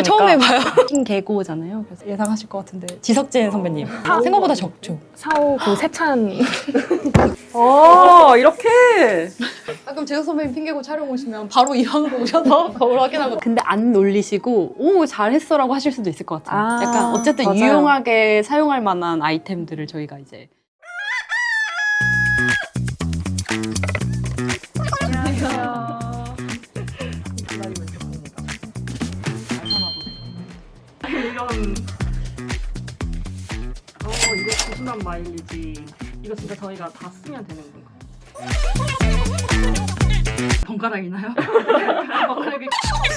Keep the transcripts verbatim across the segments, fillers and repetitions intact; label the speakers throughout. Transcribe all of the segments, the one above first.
Speaker 1: 처음 해봐요. 핑 개고잖아요. 그래서 예상하실 것 같은데 지석진 선배님 아, 생각보다 적죠.
Speaker 2: 사오구 세찬. 어 이렇게.
Speaker 1: 아, 그럼 지석 선배님 핑 개고 촬영 오시면 바로 이 방으로 오셔서 거울 확인하고. 근데 안 놀리시고 오 잘했어라고 하실 수도 있을 것 같아요.
Speaker 2: 아,
Speaker 1: 약간 어쨌든
Speaker 2: 맞아요.
Speaker 1: 유용하게 사용할 만한 아이템들을 저희가 이제.
Speaker 2: 이런 어 이거 구순한 마일리지. 이거 진짜 저희가 다 쓰면 되는 건가?
Speaker 1: 번갈아이나요? 번갈아기.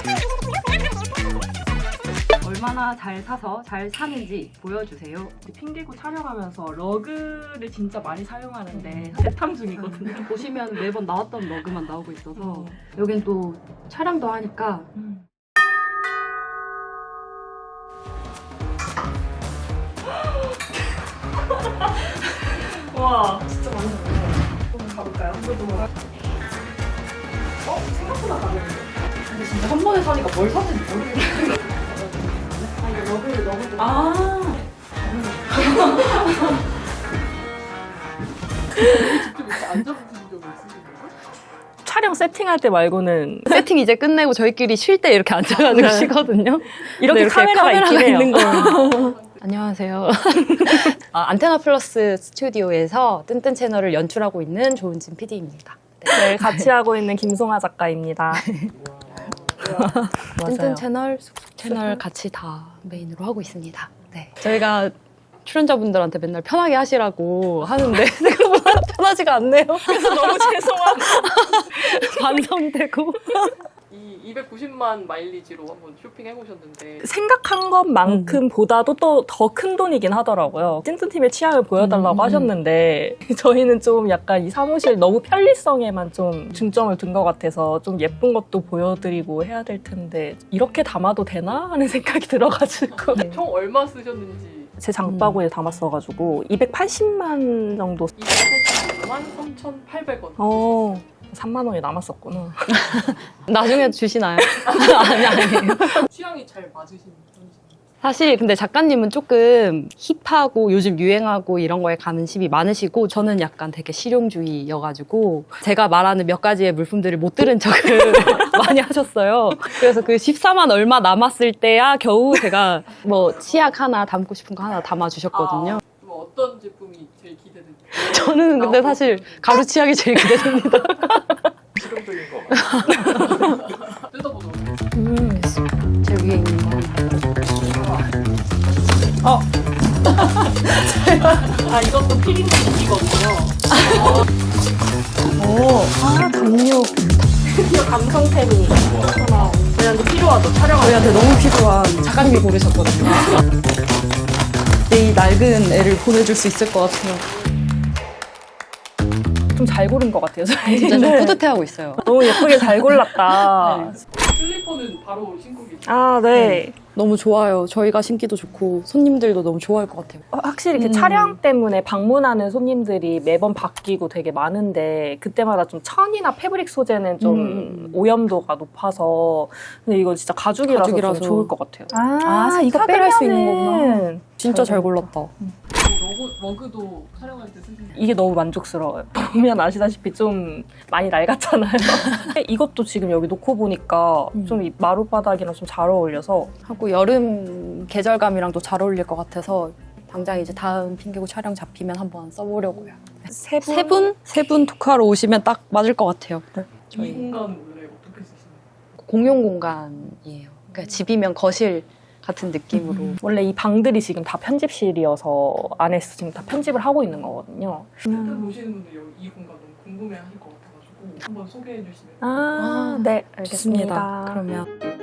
Speaker 1: 얼마나 잘 사서 잘 사는지 보여주세요.
Speaker 2: 핑계고 촬영하면서 러그를 진짜 많이 사용하는데 재탕 중이거든요.
Speaker 1: 보시면 매번 나왔던 러그만 나오고 있어서
Speaker 2: 어.
Speaker 1: 여긴 또 촬영도 하니까
Speaker 2: 음. 와 진짜 많이 샀네. 한번 가볼까요? 어? 생각보다 가볍네.
Speaker 1: 근데 진짜 한 번에 사니까 뭘 샀는지 모르겠어요.
Speaker 2: 아 이거 러그를 너무 좀
Speaker 1: 아
Speaker 2: 촬영 세팅할 때 말고는
Speaker 1: 세팅 이제 끝내고 저희끼리 쉴 때 이렇게 앉아가지고
Speaker 2: 네.
Speaker 1: 쉬거든요.
Speaker 2: 이렇게,
Speaker 1: 이렇게
Speaker 2: 카메라가,
Speaker 1: 카메라가
Speaker 2: 있긴 해요.
Speaker 1: 있는 거예요. 안녕하세요. 아, 안테나 플러스 스튜디오에서 뜬뜬 채널을 연출하고 있는 조은진 피디입니다.
Speaker 2: 네, 같이 하고 있는 김송아 작가입니다.
Speaker 1: 뜬뜬 채널, 쑥쑥 채널 같이 다 메인으로 하고 있습니다. 네. 저희가 출연자분들한테 맨날 편하게 하시라고 하는데 생각보다 편하지가 않네요.
Speaker 2: 그래서 너무 죄송하고
Speaker 1: 반성되고.
Speaker 3: 이 이백구십만 마일리지로 한번 쇼핑해보셨는데
Speaker 2: 생각한 것만큼 음. 보다도 또 더 큰 돈이긴 하더라고요. 찐찐팀의 취향을 보여달라고
Speaker 1: 음.
Speaker 2: 하셨는데 저희는 좀 약간 이 사무실 너무 편리성에만 좀 중점을 둔 것 같아서 좀 예쁜 것도 보여드리고 해야 될 텐데 이렇게 담아도 되나? 하는 생각이 들어가지고
Speaker 3: 총 얼마 쓰셨는지
Speaker 2: 제 장바구니에 음. 담았어가지고 이백팔십만 정도.
Speaker 3: 이백팔십만 삼천팔백 원.
Speaker 2: 어. 삼만 원이 남았었구나.
Speaker 1: 나중에 주시나요? 아니, 아니에요.
Speaker 3: 취향이 잘 맞으신 편이신가요?
Speaker 1: 사실 근데 작가님은 조금 힙하고 요즘 유행하고 이런 거에 관심이 많으시고 저는 약간 되게 실용주의여가지고 제가 말하는 몇 가지의 물품들을 못 들은 척을 많이 하셨어요. 그래서 그 십사만 얼마 남았을 때야 겨우 제가 뭐 치약 하나 담고 싶은 거 하나 담아주셨거든요.
Speaker 3: 아, 뭐 어떤 제품이 제일 기대되는지?
Speaker 1: 저는 근데 사실 가루 치약이 제일 기대됩니다.
Speaker 3: 실용적인 거. 뜯어보도록 하겠습니다.
Speaker 1: 음, 제 위에 있는 거.
Speaker 2: 어. 아 이것도 피린이거든요.
Speaker 1: 오, 아 담요.
Speaker 2: 이거 감성템이 하나 저희한테 필요하죠. 촬영할
Speaker 1: 저희한테 너무 필요한 작가님이 고르셨거든요. 내 이 낡은 애를 보내줄 수 있을 것 같아요.
Speaker 2: 좀 잘 고른 것 같아요. 저희.
Speaker 1: 진짜 좀
Speaker 2: 네.
Speaker 1: 뿌듯해하고 있어요.
Speaker 2: 너무 예쁘게 잘 골랐다.
Speaker 3: 슬리퍼는 바로 신고 계세요.
Speaker 2: 아 네.
Speaker 1: 너무 좋아요. 저희가 신기도 좋고 손님들도 너무 좋아할 것 같아요.
Speaker 2: 어, 확실히 그
Speaker 1: 음.
Speaker 2: 촬영 때문에 방문하는 손님들이 매번 바뀌고 되게 많은데 그때마다 좀 천이나 패브릭 소재는 좀
Speaker 1: 음.
Speaker 2: 오염도가 높아서 근데 이거 진짜 가죽이라서,
Speaker 1: 가죽이라서.
Speaker 2: 좀 좋을 것 같아요.
Speaker 1: 아, 이거 빼갈 수 있는 거구나. 진짜 잘
Speaker 2: 잘
Speaker 1: 골랐다.
Speaker 3: 러그, 러그도 촬영할 때 쓰시는
Speaker 2: 이게 너무 만족스러워요. 보면 아시다시피 좀 많이 낡았잖아요. 이것도 지금 여기 놓고 보니까
Speaker 1: 음.
Speaker 2: 좀 이 마룻바닥이랑 좀 잘 어울려서
Speaker 1: 하고 여름 계절감이랑도 잘 어울릴 것 같아서 당장 이제 다음 핑계고 촬영 잡히면 한번 써보려고요.
Speaker 2: 세 분?
Speaker 1: 세 분? 세 분 토크하러 오시면 딱 맞을 것 같아요.
Speaker 3: 이 공간 원래 어떻게 쓰시나요?
Speaker 1: 공용 공간이에요. 그러니까 집이면 거실 같은 느낌으로.
Speaker 2: 원래 이 방들이 지금 다 편집실이어서 안에서 지금 다 편집을 하고 있는 거거든요.
Speaker 3: 일단 오시는 분들 여기 이 공간 너무 궁금해하실 것 같아가지고 한번 소개해 주시면.
Speaker 2: 아,
Speaker 1: 아,
Speaker 2: 네,
Speaker 1: 좋습니다.
Speaker 2: 알겠습니다.
Speaker 1: 그러면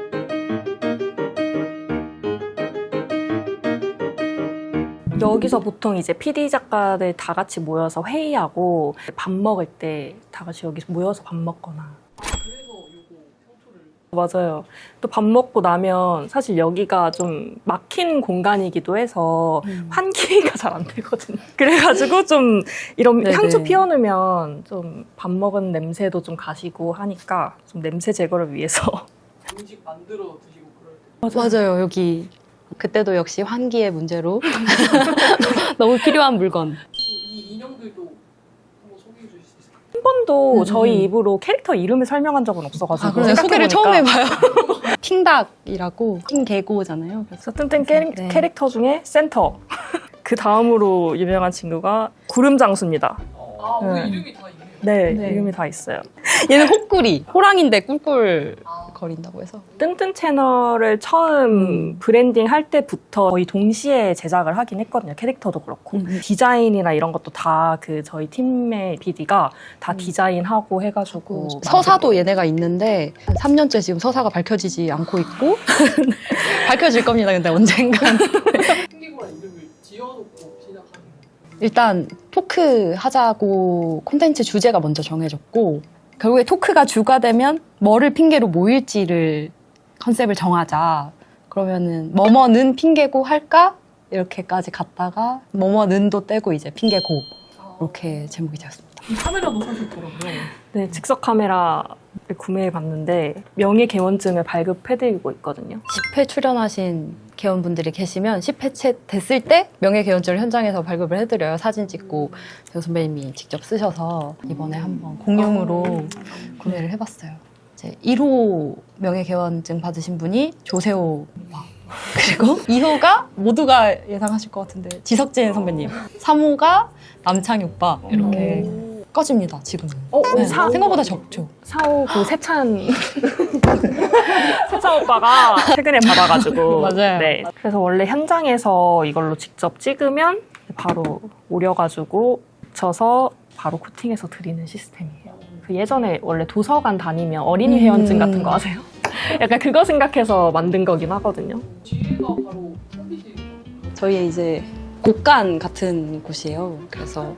Speaker 2: 여기서 보통 이제 피디 작가들 다 같이 모여서 회의하고 밥 먹을 때 다 같이 여기서 모여서 밥 먹거나.
Speaker 3: 아, 그래서 요거 평초를.
Speaker 2: 맞아요. 또 밥 먹고 나면 사실 여기가 좀 막힌 공간이기도 해서
Speaker 1: 음.
Speaker 2: 환기가 잘 안 되거든요. 그래가지고 좀 이런
Speaker 1: 네네.
Speaker 2: 향초 피워놓으면 좀 밥 먹은 냄새도 좀 가시고 하니까 좀 냄새 제거를 위해서.
Speaker 3: 음식 만들어 드시고 그럴 때
Speaker 1: 맞아요. 여기 그때도 역시 환기의 문제로 너무 필요한 물건.
Speaker 3: 이 인형들도 한번 소개해 주실 수 있을까요?
Speaker 2: 한 번도
Speaker 1: 음,
Speaker 2: 저희
Speaker 1: 음.
Speaker 2: 입으로 캐릭터 이름을 설명한 적은 없어가지고
Speaker 1: 아, 그러네. 소개를 처음
Speaker 2: 생각해보니까
Speaker 1: 해봐요. 핑닭이라고 핑계고잖아요. 그래서
Speaker 2: 그래서 뜬뜬 캐릭,
Speaker 1: 네.
Speaker 2: 캐릭터 중에 센터. 그 다음으로 유명한 친구가 구름장수입니다.
Speaker 3: 아, 오늘
Speaker 2: 네.
Speaker 3: 이름이 다 있네요.
Speaker 2: 네,
Speaker 1: 네.
Speaker 2: 이름이 다 있어요.
Speaker 1: 얘는 호꾸리, 호랑인데 꿀꿀 거린다고 해서.
Speaker 2: 뜬뜬 채널을 처음 브랜딩 할 때부터 거의 동시에 제작을 하긴 했거든요. 캐릭터도 그렇고.
Speaker 1: 음.
Speaker 2: 디자인이나 이런 것도 다 그 저희 팀의 피디가 다
Speaker 1: 음.
Speaker 2: 디자인하고 해가지고.
Speaker 1: 서사도 얘네가 있는데 한 삼 년째 지금 서사가 밝혀지지 않고 있고 밝혀질 겁니다. 근데 언젠간.
Speaker 3: 핑계고란 이름을 지어놓고 시작하는 거예요.
Speaker 1: 일단 토크 하자고 콘텐츠 주제가 먼저 정해졌고 결국에 토크가 주가 되면 뭐를 핑계로 모일지를 컨셉을 정하자. 그러면은 뭐뭐는 핑계고 할까? 이렇게까지 갔다가 뭐뭐는도 떼고 이제 핑계고 이렇게 제목이 되었습니다.
Speaker 3: 카메라도 사셨더라고요.
Speaker 2: 네, 즉석 카메라를 구매해 봤는데 명예개원증을 발급해드리고 있거든요.
Speaker 1: 십 회 출연하신 개원분들이 계시면 십 회 채 됐을 때 명예개원증을 현장에서 발급을 해드려요. 사진 찍고 저 선배님이 직접 쓰셔서 이번에 한번 공용으로 구매를 해봤어요. 이제 일 호 명예개원증 받으신 분이 조세호 오빠 그리고 이 호가 모두가 예상하실 것 같은데 지석진 선배님 삼 호가 남창희 오빠 이렇게 꺼집니다 지금은.
Speaker 2: 어,
Speaker 1: 네,
Speaker 2: 사,
Speaker 1: 생각보다 적죠.
Speaker 2: 사오 그 세찬 세찬 오빠가 최근에 받아가지고
Speaker 1: 맞아요.
Speaker 2: 네. 그래서 원래 현장에서 이걸로 직접 찍으면 바로 오려가지고 붙여서 바로 코팅해서 드리는 시스템이에요. 그 예전에 원래 도서관 다니면 어린이 회원증 같은 거 아세요? 약간 그거 생각해서 만든 거긴 하거든요.
Speaker 3: 뒤에가 바로 컴퓨터.
Speaker 1: 저희의 이제 곡간 같은 곳이에요. 그래서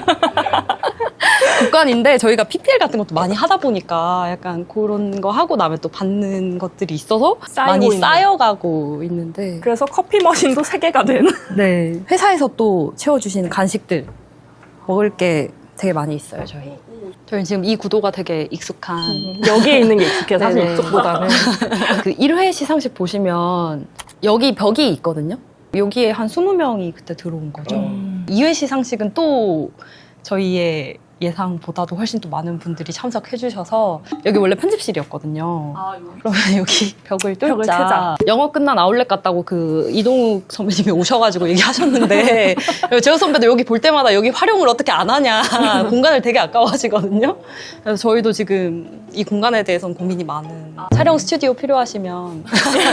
Speaker 1: 곡간인데 저희가 피피엘 같은 것도 많이 하다 보니까 약간 그런 거 하고 나면 또 받는 것들이 있어서
Speaker 2: 쌓이고
Speaker 1: 많이
Speaker 2: 있는.
Speaker 1: 쌓여가고 있는데
Speaker 2: 그래서 커피 머신도 세 개가 된.
Speaker 1: 네. 회사에서 또 채워주시는 간식들 먹을 게 되게 많이 있어요. 저희. 저희 지금 이 구도가 되게 익숙한
Speaker 2: 여기에 있는 게 익숙해요. 사실
Speaker 1: 네네.
Speaker 2: 이쪽보다는.
Speaker 1: 그 일 회 시상식 보시면 여기 벽이 있거든요. 여기에 한 스무 명이 그때 들어온 거죠.
Speaker 2: 음.
Speaker 1: 이 회 시상식은 또 저희의 예상보다도 훨씬 또 많은 분들이 참석해 주셔서 여기 원래 편집실이었거든요.
Speaker 3: 아, 여기.
Speaker 1: 그러면 여기 벽을 뚫자.
Speaker 2: 벽을 트자.
Speaker 1: 영어 끝난 아울렛 같다고 그 이동욱 선배님이 오셔가지고 얘기하셨는데 제호 선배도 여기 볼 때마다 여기 활용을 어떻게 안 하냐 공간을 되게 아까워하시거든요. 그래서 저희도 지금 이 공간에 대해서는 고민이 많은 촬영 스튜디오 필요하시면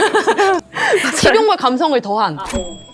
Speaker 1: 식용물 감성을 더한
Speaker 3: 아, 어.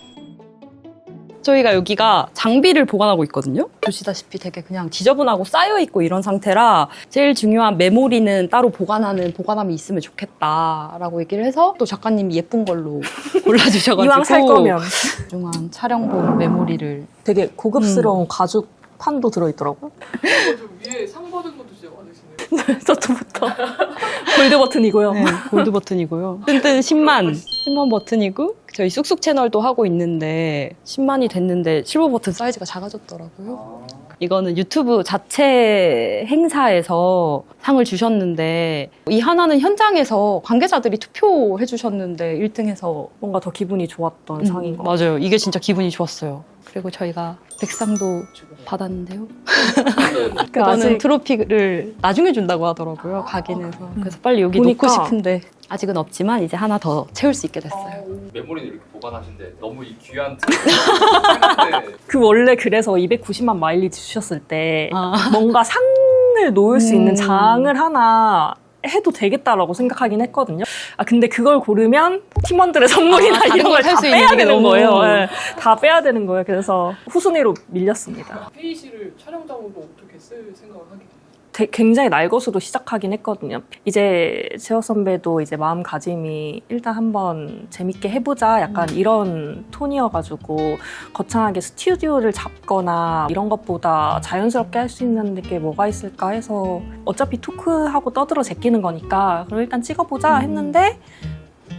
Speaker 1: 저희가 여기가 장비를 보관하고 있거든요. 보시다시피 되게 그냥 지저분하고 쌓여있고 이런 상태라 제일 중요한 메모리는 따로 보관하는 보관함이 있으면 좋겠다라고 얘기를 해서 또 작가님이 예쁜 걸로 골라주셔가지고
Speaker 2: 이왕 살 거면.
Speaker 1: 중요한 촬영본 메모리를
Speaker 2: 되게 고급스러운 가죽 판도 들어있더라고요.
Speaker 3: 좀 위에 상 받은 것도 진짜 많으시네요.
Speaker 2: 저부터 골드 버튼이고요.
Speaker 1: 네, 골드 버튼이고요. 뜬뜬 십만, 십만 버튼이고 저희 쑥쑥 채널도 하고 있는데 십만이 됐는데 실버 버튼 사이즈가 작아졌더라고요. 이거는 유튜브 자체 행사에서 상을 주셨는데 이 하나는 현장에서 관계자들이 투표해 주셨는데 일 등해서
Speaker 2: 뭔가 더 기분이 좋았던
Speaker 1: 음,
Speaker 2: 상인 것 같아요.
Speaker 1: 맞아요. 이게 진짜 기분이 좋았어요. 그리고 저희가 백상도 받았는데요.
Speaker 2: 그
Speaker 1: 그거는
Speaker 2: 아직
Speaker 1: 트로피를 나중에 준다고 하더라고요. 각인해서. 그래서 빨리 여기
Speaker 2: 보니까.
Speaker 1: 놓고 싶은데 아직은 없지만 이제 하나 더 채울 수 있게 됐어요.
Speaker 4: 메모리는 이렇게 보관하신데 너무 이 귀한 트로피인데
Speaker 2: 그 원래 그래서 이백구십만 마일리지 주셨을 때
Speaker 1: 아.
Speaker 2: 뭔가 상을 놓을 수 있는
Speaker 1: 음.
Speaker 2: 장을 하나 해도 되겠다라고 생각하긴 했거든요. 아 근데 그걸 고르면 팀원들의 선물이나
Speaker 1: 아, 다른
Speaker 2: 이런
Speaker 1: 걸
Speaker 2: 걸
Speaker 1: 살
Speaker 2: 다
Speaker 1: 수 있는
Speaker 2: 빼야
Speaker 1: 게
Speaker 2: 되는
Speaker 1: 너무-
Speaker 2: 거예요. 네. 다 빼야 되는 거예요. 그래서 후순위로 밀렸습니다.
Speaker 3: 회의실을 촬영장으로 어떻게 쓸 생각을 하게 됐어요?
Speaker 2: 되- 굉장히 날 것으로 시작하긴 했거든요. 이제 재호 선배도 이제 마음가짐이 일단 한번 재밌게 해보자 약간 이런 톤이어가지고 거창하게 스튜디오를 잡거나 이런 것보다 자연스럽게 할 수 있는 게 뭐가 있을까 해서 어차피 토크하고 떠들어 제끼는 거니까 그럼 일단 찍어보자 했는데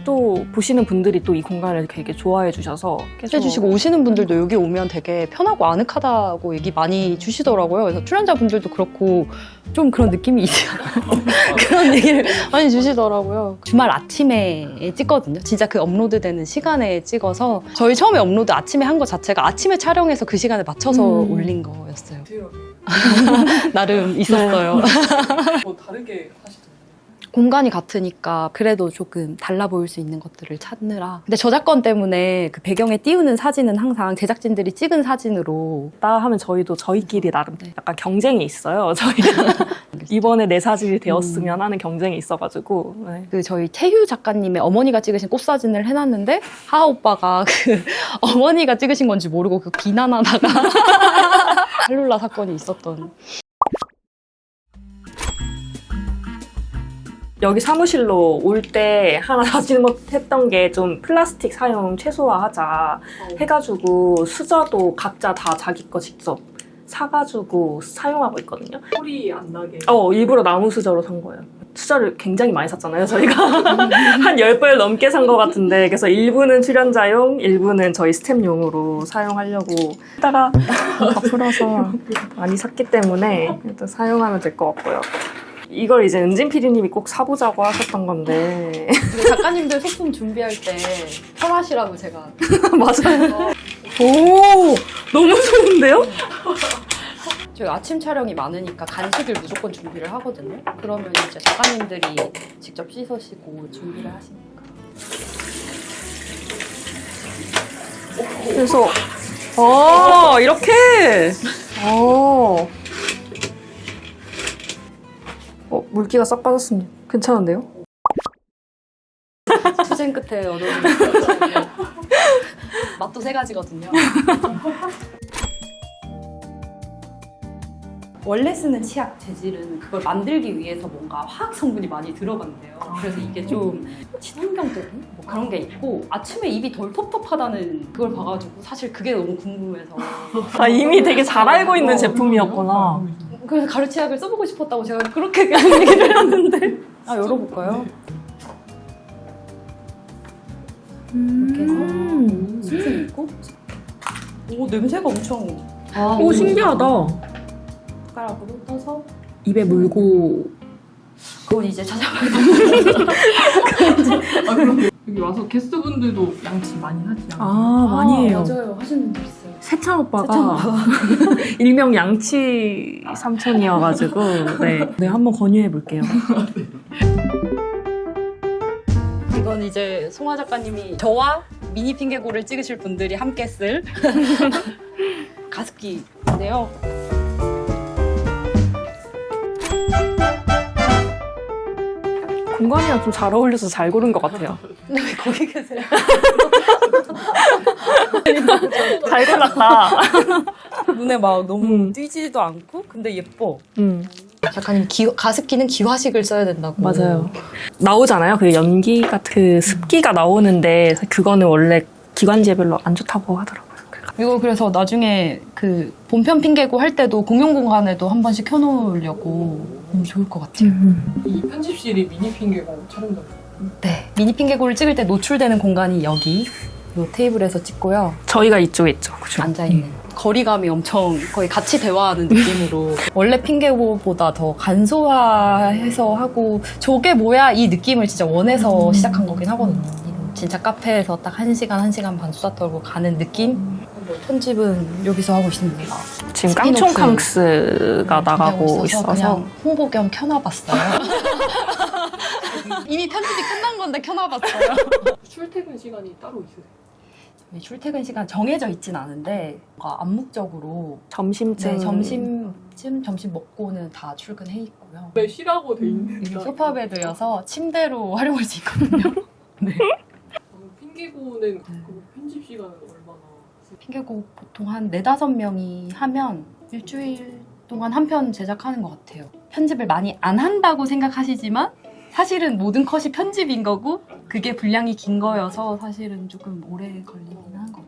Speaker 2: 또 보시는 분들이 또 이 공간을 되게 좋아해 주셔서 계속
Speaker 1: 해주시고 오시는 분들도 여기 오면 되게 편하고 아늑하다고 얘기 많이 주시더라고요. 그래서 출연자분들도 그렇고 좀 그런 느낌이 있지 않아요? 그런 얘기를 많이 주시더라고요. 주말 아침에 찍거든요. 진짜 그 업로드되는 시간에 찍어서 저희 처음에 업로드 아침에 한 거 자체가 아침에 촬영해서 그 시간에 맞춰서
Speaker 2: 음.
Speaker 1: 올린 거였어요.
Speaker 3: 디테일하게
Speaker 1: 나름 있었어요.
Speaker 3: 뭐 다르게 하시던가요?
Speaker 1: 공간이 같으니까 그래도 조금 달라 보일 수 있는 것들을 찾느라. 근데 저작권 때문에 그 배경에 띄우는 사진은 항상 제작진들이 찍은 사진으로.
Speaker 2: 다 하면 저희도 저희끼리 나름
Speaker 1: 네.
Speaker 2: 약간 경쟁이 있어요. 저희 이번에 내 사진이 되었으면 하는 경쟁이 있어가지고 네.
Speaker 1: 그 저희 태휴 작가님의 어머니가 찍으신 꽃사진을 해놨는데 하하 오빠가 그 어머니가 찍으신 건지 모르고 그 비난하다가 할룰라 사건이 있었던.
Speaker 2: 여기 사무실로 올 때 하나 잘못했던 게 좀 플라스틱 사용 최소화하자 해가지고 수저도 각자 다 자기 거 직접 사가지고 사용하고 있거든요.
Speaker 3: 소리 안 나게.
Speaker 2: 어, 일부러 나무 수저로 산 거예요. 수저를 굉장히 많이 샀잖아요, 저희가. 한 열 벌 넘게 산 것 같은데. 그래서 일부는 출연자용, 일부는 저희 스텝용으로 사용하려고 하다가 다 풀어서 많이 샀기 때문에 일단 사용하면 될 것 같고요. 이걸 이제 은진 피디님이 꼭 사보자고 하셨던 건데.
Speaker 1: 근데 작가님들 소품 준비할 때 편하시라고 제가.
Speaker 2: 맞아요. 오, 너무 좋은데요?
Speaker 1: 저희 아침 촬영이 많으니까 간식을 무조건 준비를 하거든요. 그러면 이제 작가님들이 직접 씻으시고 준비를 하시니까.
Speaker 2: 그래서, 어, 이렇게. 어. 어, 물기가 싹 빠졌습니다. 괜찮은데요?
Speaker 1: 투쟁 끝에 얻어진 맛도 세 가지거든요. 원래 쓰는 치약 재질은 그걸 만들기 위해서 뭔가 화학 성분이 많이 들어간대요. 그래서 이게 좀 친환경적인 뭐 그런 게 있고 아침에 입이 덜 텁텁하다는 그걸 봐가지고 사실 그게 너무 궁금해서
Speaker 2: 아, 이미 되게 잘 알고 있는 제품이었구나.
Speaker 1: 그래서 가루 치약을 써보고 싶었다고 제가 그렇게 얘기를 했는데 아 열어볼까요? 이렇게 해서
Speaker 2: 음.
Speaker 1: 스팀 있고 오 냄새가 엄청
Speaker 2: 아, 오, 신기하다.
Speaker 1: 숟가락으로 떠서
Speaker 2: 입에 물고.
Speaker 1: 그건 이제 찾아봐야
Speaker 3: 여기 와서 게스트분들도 양치 많이 하지 않아요?
Speaker 2: 아, 많이 해요.
Speaker 1: 맞아요. 하시는 분들 있어요.
Speaker 2: 세찬 오빠가 일명 양치 삼촌이어가지고 네, 네 한번 권유해 볼게요.
Speaker 1: 이건 이제 송화 작가님이 저와 미니 핑계고를 찍으실 분들이 함께 쓸 가습기인데요.
Speaker 2: 공간이랑 좀 잘 어울려서 잘 고른 것 같아요.
Speaker 1: 근데 왜 거기 계세요?
Speaker 2: 잘 골랐다.
Speaker 1: 눈에 막 너무
Speaker 2: 음.
Speaker 1: 띄지도 않고 근데 예뻐.
Speaker 2: 음,
Speaker 1: 작가님 기, 가습기는 기화식을 써야 된다고.
Speaker 2: 맞아요. 나오잖아요. 그 연기가 그 습기가 나오는데 그거는 원래 기관지별로 안 좋다고 하더라고요.
Speaker 1: 이거 그래서 나중에 그 본편 핑계고 할 때도 공용 공간에도 한 번씩 켜놓으려고 너무 좋을 것 같아요.
Speaker 2: 음.
Speaker 3: 이 편집실이 미니 핑계고 촬영장.
Speaker 1: 네. 미니 핑계고를 찍을 때 노출되는 공간이 여기 이 테이블에서 찍고요.
Speaker 2: 저희가 이쪽에 있죠. 그죠?
Speaker 1: 앉아있는. 거리감이 엄청 거의 같이 대화하는 느낌으로 원래 핑계고보다 더 간소화해서 하고 저게 뭐야 이 느낌을 진짜 원해서 시작한 거긴 하거든요. 진짜 카페에서 딱 한 시간, 한 시간 반 수다 떨고 가는 느낌? 편집은 여기서 하고 있습니다.
Speaker 2: 지금
Speaker 1: 스피노프.
Speaker 2: 깡총캉스가 나가고 있어서
Speaker 1: 그냥 홍보 겸 켜놔봤어요. 이미 편집이 끝난 건데 켜놔봤어요.
Speaker 3: 출퇴근 시간이 따로 있으세요?
Speaker 1: 저희 출퇴근 시간 정해져 있진 않은데 뭔가 암묵적으로
Speaker 2: 점심쯤
Speaker 1: 네, 점심쯤 점심 먹고는 다 출근해 있고요.
Speaker 3: 왜 쉬라고 돼
Speaker 1: 이게
Speaker 3: 있는
Speaker 1: 소파 베드여서 침대로 활용할 수 있거든요. 네.
Speaker 3: 핑계고는 그 편집 시간은 얼마나?
Speaker 1: 핑계고 보통 한 네다섯 명이 하면 일주일 동안 한 편 제작하는 것 같아요. 편집을 많이 안 한다고 생각하시지만 사실은 모든 컷이 편집인 거고 그게 분량이 긴 거여서 사실은 조금 오래 걸리긴 한 거.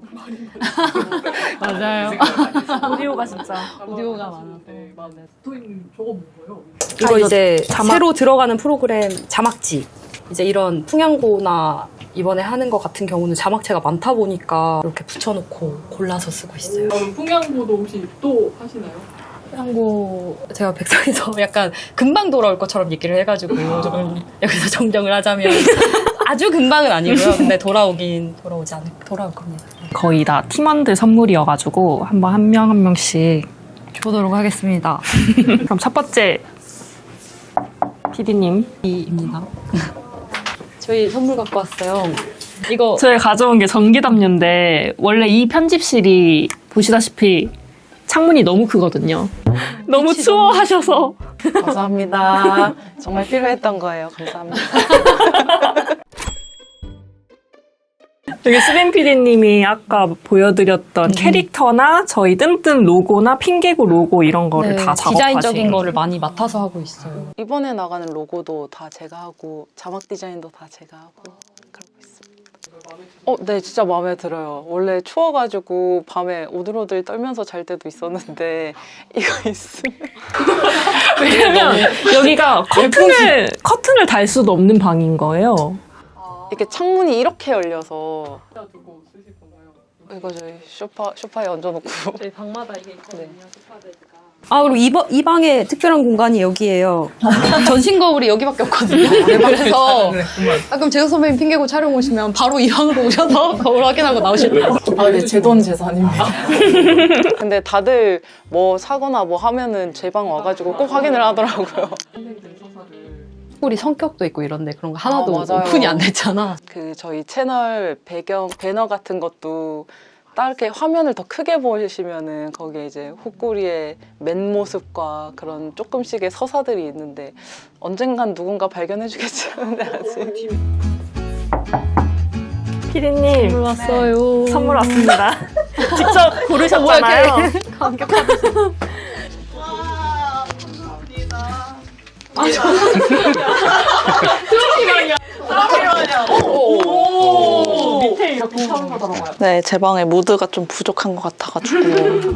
Speaker 1: 맞아요.
Speaker 2: 오디오가 진짜
Speaker 1: 오디오가 많아서.
Speaker 3: 네, 맞아요. 붙어 있는 저거 뭐예요?
Speaker 1: 이거 이제
Speaker 2: 자막.
Speaker 1: 새로 들어가는 프로그램 자막지. 이제 이런 풍양고나 이번에 하는 것 같은 경우는 자막체가 많다 보니까 이렇게 붙여놓고 골라서 쓰고 있어요.
Speaker 3: 그럼 풍양보도 혹시 또 하시나요?
Speaker 1: 한고 제가 백성에서 약간 금방 돌아올 것처럼 얘기를 해가지고 조금 여기서 정정을 하자면 아주 금방은 아니고요. 근데 돌아오긴 돌아오지 않을 돌아올 겁니다.
Speaker 2: 거의 다 팀원들 선물이어가지고 한번 한 명 한 명씩.
Speaker 1: 보도록 하겠습니다.
Speaker 2: 그럼 첫 번째 피디님.
Speaker 1: 이입니다. 저희 선물 갖고 왔어요. 이거
Speaker 2: 저희 가져온 게 전기담요인데 원래 이 편집실이 보시다시피 창문이 너무 크거든요. 너무
Speaker 1: 빛이
Speaker 2: 추워하셔서
Speaker 5: 감사합니다. 정말 필요했던 거예요. 감사합니다.
Speaker 2: 여기 수빈 피디님이 아까 보여드렸던
Speaker 1: 음.
Speaker 2: 캐릭터나 저희 뜸뜸 로고나 핑계고 로고 이런 거를
Speaker 1: 네,
Speaker 2: 다 작업하신
Speaker 1: 디자인적인 거를 많이 맡아서 하고 있어요.
Speaker 5: 이번에 나가는 로고도 다 제가 하고 자막 디자인도 다 제가 하고 그러고 있습니다. 어, 네, 진짜 마음에 들어요. 원래 추워가지고 밤에 오들오들 떨면서 잘 때도 있었는데 이거 있으면
Speaker 2: 왜냐면 여기가 커튼을 커튼을 달 수도 없는 방인 거예요.
Speaker 5: 이렇게 창문이 이렇게 열려서
Speaker 3: 두고 쓰실 건가요?
Speaker 5: 이거 저희 소파 소파에 얹어놓고
Speaker 1: 저희 방마다 이게 있거든요.
Speaker 5: 네.
Speaker 1: 소파들가. 아 그리고 이, 이 방에 특별한 공간이 여기예요. 전신 거울이 여기밖에 없거든요. 그래서 아, 그럼 재석 선배님 핑계고 촬영 오시면 바로 이 방으로 오셔서 거울 확인하고 나오실 거예요.
Speaker 5: 아, 네, 제 돈 재산입니다. 근데 다들 뭐 사거나 뭐 하면은 제 방 와가지고 꼭 확인을 하더라고요.
Speaker 3: 선생님들 서사를
Speaker 1: 우리 성격도 있고 이런데 그런 거 하나도
Speaker 5: 아, 맞아요.
Speaker 1: 오픈이 안 됐잖아.
Speaker 5: 그 저희 채널 배경 배너 같은 것도 딱 이렇게 화면을 더 크게 보시면은 거기에 이제 훅구리의 맨 모습과 그런 조금씩의 서사들이 있는데 언젠간 누군가 발견해주겠지 않은데 아직.
Speaker 2: 피디님
Speaker 1: 선물 왔어요.
Speaker 2: 선물 왔습니다. 직접 고르셨잖아요.
Speaker 3: 오, 밑에 이렇게 샤워가 들어가요.
Speaker 5: 네, 제 방에 무드가 좀 부족한 것 같아가지고.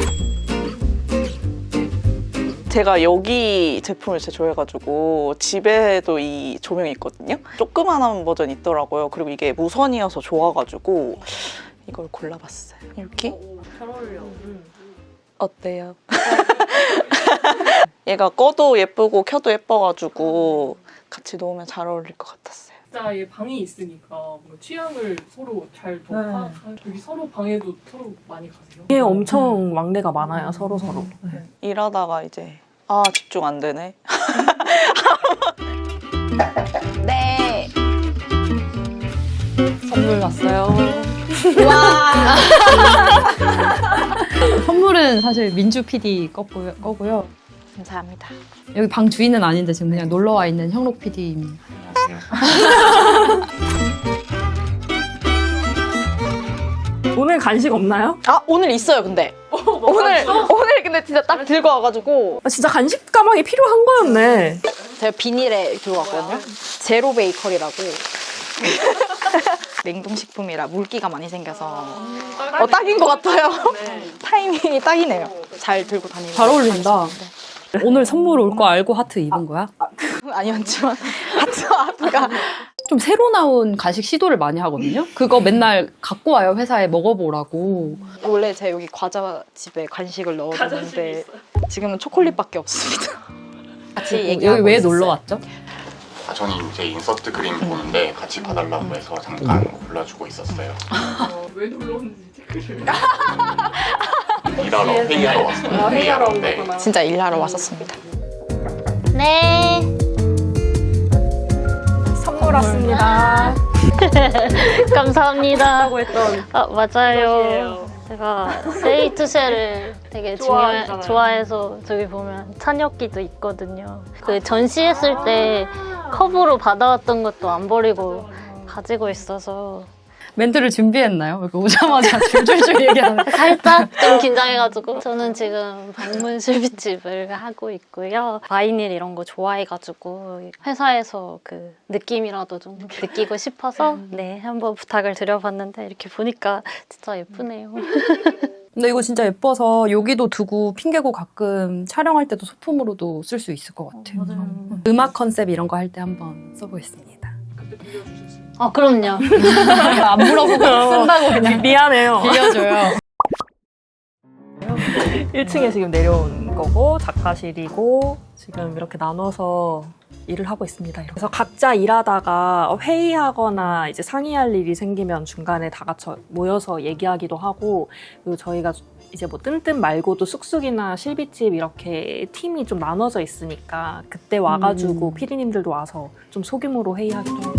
Speaker 5: 제가 여기 제품을 진짜 좋아해가지고 집에도 이 조명이 있거든요. 조그만한 버전 있더라고요. 그리고 이게 무선이어서 좋아가지고 이걸 골라봤어요. 이렇게.
Speaker 3: 잘 어울려.
Speaker 5: 어때요? 얘가 꺼도 예쁘고 켜도 예뻐가지고 같이 놓으면 잘 어울릴 것 같았어요.
Speaker 3: 진짜 이 방이 있으니까 뭔가 취향을 서로 잘 더 파. 여기 서로 방에도 서로 많이 가세요?
Speaker 2: 이게 엄청 막내가 많아요. 서로 서로.
Speaker 5: 일하다가 이제 아 집중 안 되네. 네.
Speaker 1: 선물 왔어요. 와. 선물은 사실 민주 피디 거고요. 거고요.
Speaker 5: 감사합니다.
Speaker 1: 여기 방 주인은 아닌데 지금 그냥 놀러 와 있는 형록 피디입니다.
Speaker 2: 오늘 간식 없나요?
Speaker 5: 아 오늘 있어요 근데. 오늘 오늘 근데 진짜 딱 들고 와가지고
Speaker 2: 아, 진짜 간식 가방이 필요한 거였네.
Speaker 5: 제가 비닐에 들고 왔거든요. 제로 베이커리라고. 냉동식품이라 물기가 많이 생겨서 어, 딱인 것 같아요. 타이밍이 딱이네요. 잘 들고 다니는.
Speaker 1: 잘 어울린다. 오늘 선물 올 거 알고 하트 입은 거야?
Speaker 5: 아니었지만 하트 하트가
Speaker 1: 좀 새로 나온 간식 시도를 많이 하거든요. 그거 맨날 갖고 와요 회사에 먹어보라고.
Speaker 5: 원래 제가 여기 과자 집에 간식을 넣어뒀는데 지금은 초콜릿밖에 없습니다. 같이
Speaker 1: 여기
Speaker 5: 얘기하고
Speaker 1: 왜
Speaker 5: 있었어요.
Speaker 1: 놀러 왔죠?
Speaker 6: 아, 저는 이제 인서트 그림 보는데 같이 봐달라고 해서 잠깐 골라주고 있었어요.
Speaker 3: 어, 왜 놀러 오는지 체크를.
Speaker 6: 일하러 회의하러 왔어요.
Speaker 3: 회의하러 온
Speaker 6: 네.
Speaker 3: 거구나.
Speaker 5: 진짜 일하러 왔었습니다.
Speaker 7: 네.
Speaker 2: 선물 왔습니다.
Speaker 7: 감사합니다.
Speaker 2: 하고 했던
Speaker 7: 아, 맞아요.
Speaker 2: 것이에요.
Speaker 7: 제가 세이투셀을 되게 중요
Speaker 2: 좋아하잖아요.
Speaker 7: 좋아해서 저기 보면 찬엽기도 있거든요. 그 전시했을 때 컵으로 받아왔던 것도 안 버리고 가지고 있어서
Speaker 1: 멘트를 준비했나요? 이렇게 오자마자 줄줄줄 얘기하는.
Speaker 7: 살짝 좀 긴장해가지고 저는 지금 방문 실비집을 하고 있고요. 바이닐 이런 거 좋아해가지고 회사에서 그 느낌이라도 좀 느끼고 싶어서 네 한번 부탁을 드려봤는데 이렇게 보니까 진짜 예쁘네요.
Speaker 1: 근데 이거 진짜 예뻐서 여기도 두고 핑계고 가끔 촬영할 때도 소품으로도 쓸 수 있을 것 같아요.
Speaker 7: 맞아요.
Speaker 1: 음악 컨셉 이런 거 할 때 한번 써보겠습니다.
Speaker 3: 그때 빌려주실 수 있죠.
Speaker 7: 아, 그럼요.
Speaker 1: 안 물어보고 쓴다고 그냥
Speaker 2: 미안해요.
Speaker 1: 빌려줘요.
Speaker 2: 일 층에 지금 내려온 거고 작가실이고 지금 이렇게 나눠서 일을 하고 있습니다. 그래서 각자 일하다가 회의하거나 이제 상의할 일이 생기면 중간에 다 같이 모여서 얘기하기도 하고, 그리고 저희가 이제 뭐 뜬뜬 말고도 쑥쑥이나 실비집 이렇게 팀이 좀 나눠져 있으니까 그때 와가지고
Speaker 1: 음.
Speaker 2: 피디님들도 와서 좀 소규모로 회의하기도 하고.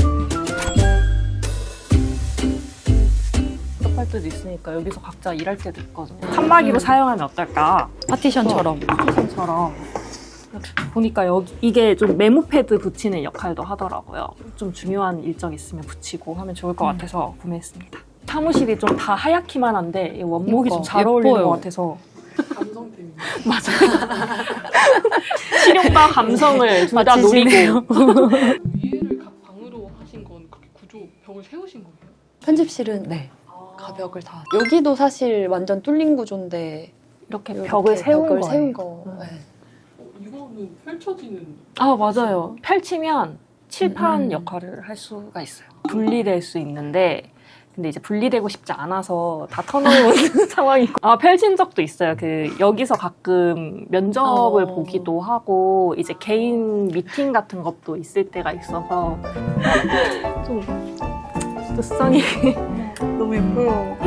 Speaker 2: 할 때도 있으니까 여기서 각자 일할 때도 있거든요. 칸막이로 사용하면 어떨까?
Speaker 1: 파티션처럼.
Speaker 2: 파티션처럼. 보니까 여기 이게 좀 메모 패드 붙이는 역할도 하더라고요. 좀 중요한 일정 있으면 붙이고 하면 좋을 것 같아서 구매했습니다. 사무실이 좀 다 하얗기만 한데 이 원목이 좀 잘 어울리는
Speaker 1: 예뻐요.
Speaker 2: 것 같아서.
Speaker 3: 감성 때문에.
Speaker 2: 맞아요. 실용과 감성을 둘 다
Speaker 1: 맞추시네요.
Speaker 2: 노리고.
Speaker 3: 위에를 각 방으로 하신 건 그렇게 구조 벽을 세우신 거예요?
Speaker 1: 편집실은 네. 가벽을 다. 여기도 사실 완전 뚫린 구조인데
Speaker 2: 이렇게
Speaker 1: 이렇게
Speaker 2: 벽을 세운
Speaker 1: 벽을
Speaker 2: 거예요.
Speaker 1: 세운 거.
Speaker 2: 음.
Speaker 1: 네.
Speaker 3: 어, 이거는 펼쳐지는.
Speaker 2: 아, 맞아요. 펼치면 칠판
Speaker 1: 음.
Speaker 2: 역할을 할 수가 있어요. 분리될 수 있는데, 근데 이제 분리되고 싶지 않아서 다 터놓은 상황이고. 아, 펼친 적도 있어요. 그, 여기서 가끔 면접을
Speaker 1: 어.
Speaker 2: 보기도 하고, 이제 개인 미팅 같은 것도 있을 때가 있어서, 좀, 뜻성이 너무 예뻐요.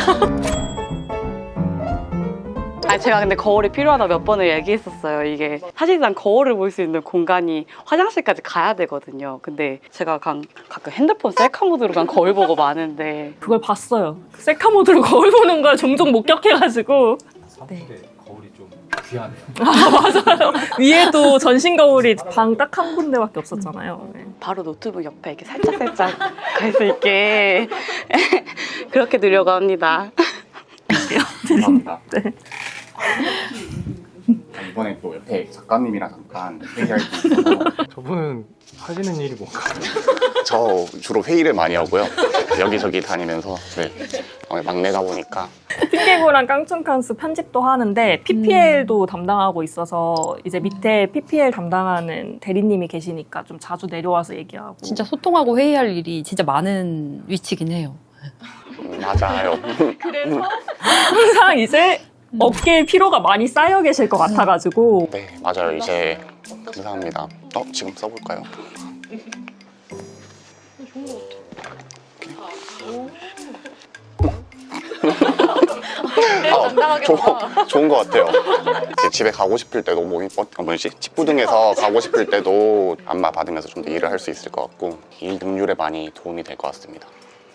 Speaker 5: 아니 제가 근데 거울이 필요하다 몇 번을 얘기했었어요. 이게 사실상 거울을 볼 수 있는 공간이 화장실까지 가야 되거든요. 근데 제가 가, 가끔 핸드폰 셀카 모드로 간 거울 보고 마는데
Speaker 2: 그걸 봤어요. 셀카 모드로 거울 보는 걸 종종 목격해가지고.
Speaker 4: 사무실에 거울이 좀 귀하네요.
Speaker 2: 위에도 전신 거울이 방 딱 한 군데밖에 없었잖아요. 네.
Speaker 5: 바로 노트북 옆에 이렇게 살짝살짝 갈 수 있게 그렇게 누려고 합니다.
Speaker 6: 감사합니다.
Speaker 2: 네.
Speaker 6: 이번에 또 옆에 작가님이랑 잠깐 회의할 게 있어서
Speaker 8: 저분은 하시는 일이 뭔가요?
Speaker 6: 저 주로 회의를 많이 하고요. 여기저기 다니면서 네. 어, 막내다 보니까
Speaker 2: 핑계고랑 깡충칸스 편집도 하는데 피피엘도 담당하고 있어서 이제 밑에 피피엘 담당하는 대리님이 계시니까 좀 자주 내려와서 얘기하고.
Speaker 1: 진짜 소통하고 회의할 일이 진짜 많은 위치긴 해요.
Speaker 6: 음, 맞아요.
Speaker 2: 그래서 항상 이제 어깨에 피로가 많이 쌓여 계실 것 같아가지고.
Speaker 6: 네, 맞아요. 이제 감사합니다. 어, 지금 써볼까요? 아, 좋, 좋은 것 같아요. 이제 집에 가고 싶을 때도 뭐, 어, 뭐지? 집부등에서 가고 싶을 때도 안마 받으면서 좀 더 일을 할 수 있을 것 같고 일 능률에 많이 도움이 될 것 같습니다.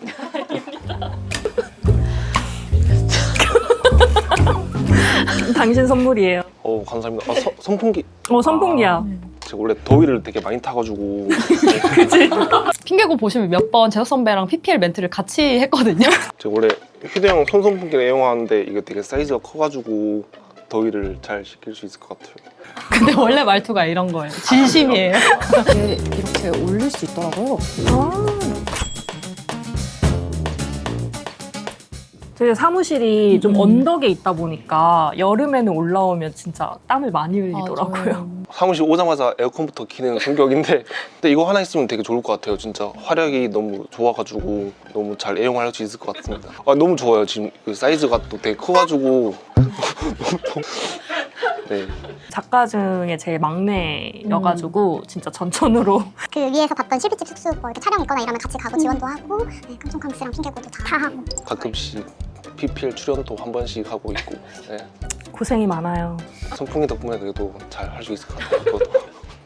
Speaker 2: 당신 선물이에요.
Speaker 8: 어 감사합니다. 아, 서, 선풍기.
Speaker 2: 어, 선풍기야.
Speaker 8: 제가 원래 더위를 되게 많이 타가지고
Speaker 1: 핑계고 보시면 몇 번 재석 선배랑 피피엘 멘트를 같이 했거든요.
Speaker 8: 제가 원래 휴대용 손선풍기를 애용하는데 이게 되게 사이즈가 커가지고 더위를 잘 식힐 수 있을 것 같아요.
Speaker 1: 근데 원래 말투가 이런 거예요. 진심이에요.
Speaker 9: 이렇게, 이렇게 올릴 수 있더라고요.
Speaker 2: 저희 사무실이 좀 언덕에 있다 보니까 여름에는 올라오면 진짜 땀을 많이 흘리더라고요.
Speaker 8: 사무실 오자마자 에어컨부터 키는 성격인데 근데 이거 하나 있으면 되게 좋을 것 같아요. 진짜 화력이 너무 좋아가지고 너무 잘 애용할 수 있을 것 같습니다. 아, 너무 좋아요. 지금 그 사이즈가 또 되게 커가지고 네.
Speaker 2: 작가 중에 제일 막내여가지고 진짜 전천후로
Speaker 10: 그 위에서 봤던 실비집 숙소 뭐 이렇게 촬영 있거나 이러면 같이 가고 지원도 하고 네, 깡총캉스랑 핑계고도 다 하고
Speaker 8: 가끔씩 피피엘 출연도 한 번씩 하고 있고 네.
Speaker 2: 고생이 많아요.
Speaker 8: 선풍기 덕분에 그래도 잘 할 수 있을 것 같아요. 그것도.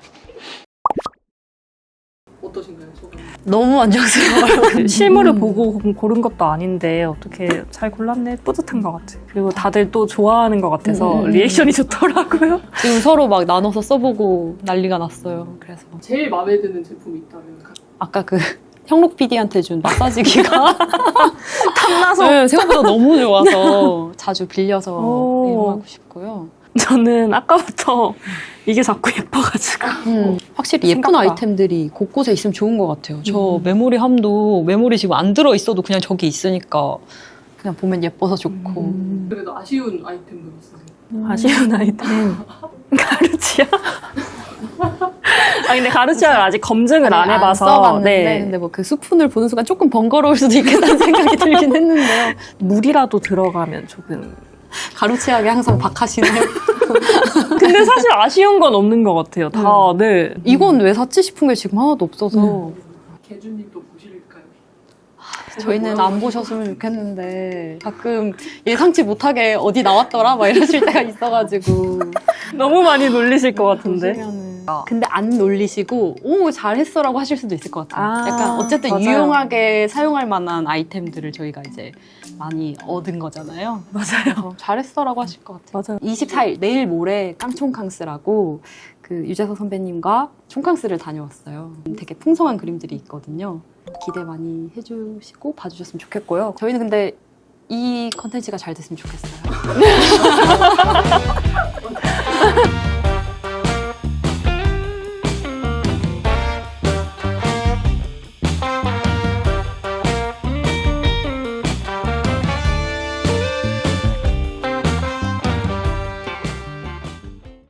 Speaker 3: 어떠신가요, 소감?
Speaker 1: 너무 만족스러워요.
Speaker 2: 실물을 보고 고른 것도 아닌데 어떻게 잘 골랐네. 뿌듯한 것 같아요. 그리고 다들 또 좋아하는 것 같아서
Speaker 1: 음.
Speaker 2: 리액션이 좋더라고요.
Speaker 1: 지금 서로 막 나눠서 써보고 난리가 났어요. 그래서
Speaker 3: 제일 마음에 드는 제품이 있다면 가-
Speaker 1: 아까 그 형록 피디한테 준 마사지기가
Speaker 2: 탐나서
Speaker 1: 네, 생각보다 너무 좋아서 자주 빌려서
Speaker 2: 오.
Speaker 1: 이용하고 싶고요.
Speaker 2: 저는 아까부터 이게 자꾸 예뻐가지고
Speaker 1: 음, 확실히 예쁜
Speaker 2: 생각보다.
Speaker 1: 아이템들이 곳곳에 있으면 좋은 것 같아요. 저
Speaker 2: 음.
Speaker 1: 메모리 함도 메모리 지금 안 들어 있어도 그냥 저기 있으니까 그냥 보면 예뻐서 좋고.
Speaker 3: 그래도 아쉬운 아이템도 있으세요?
Speaker 2: 아쉬운 아이템 가르치야? 아 근데 가루치약을 아직 검증을 안
Speaker 1: 아니,
Speaker 2: 해봐서
Speaker 1: 써봤는데
Speaker 2: 네.
Speaker 1: 근데 뭐 그 스푼을 보는 순간 조금 번거로울 수도 있겠다는 생각이 들긴 했는데요.
Speaker 2: 물이라도 들어가면 조금.
Speaker 1: 가루치약에 항상 박하시네요.
Speaker 2: 근데 사실 아쉬운 건 없는 것 같아요. 다 네.
Speaker 1: 이건 왜 샀지 싶은 게 지금 하나도 없어서
Speaker 3: 개준님도 보실까요?
Speaker 1: 저희는 안 보셨으면 좋겠는데 가끔 예상치 못하게 어디 나왔더라 막 이러실 때가 있어가지고
Speaker 2: 너무 많이 놀리실 것 같은데.
Speaker 1: 보시면은 근데 안 놀리시고 오 잘했어라고 하실 수도 있을 것 같아요.
Speaker 2: 아,
Speaker 1: 약간 어쨌든
Speaker 2: 맞아요.
Speaker 1: 유용하게 사용할 만한 아이템들을 저희가 이제 많이 얻은 거잖아요.
Speaker 2: 맞아요.
Speaker 1: 잘했어라고 하실 것 같아요.
Speaker 2: 맞아요.
Speaker 1: 이십사 일 내일 모레 깡총캉스라고 그 유재석 선배님과 총캉스를 다녀왔어요. 되게 풍성한 그림들이 있거든요. 기대 많이 해주시고 봐주셨으면 좋겠고요. 저희는 근데 이 컨텐츠가 잘 됐으면 좋겠어요.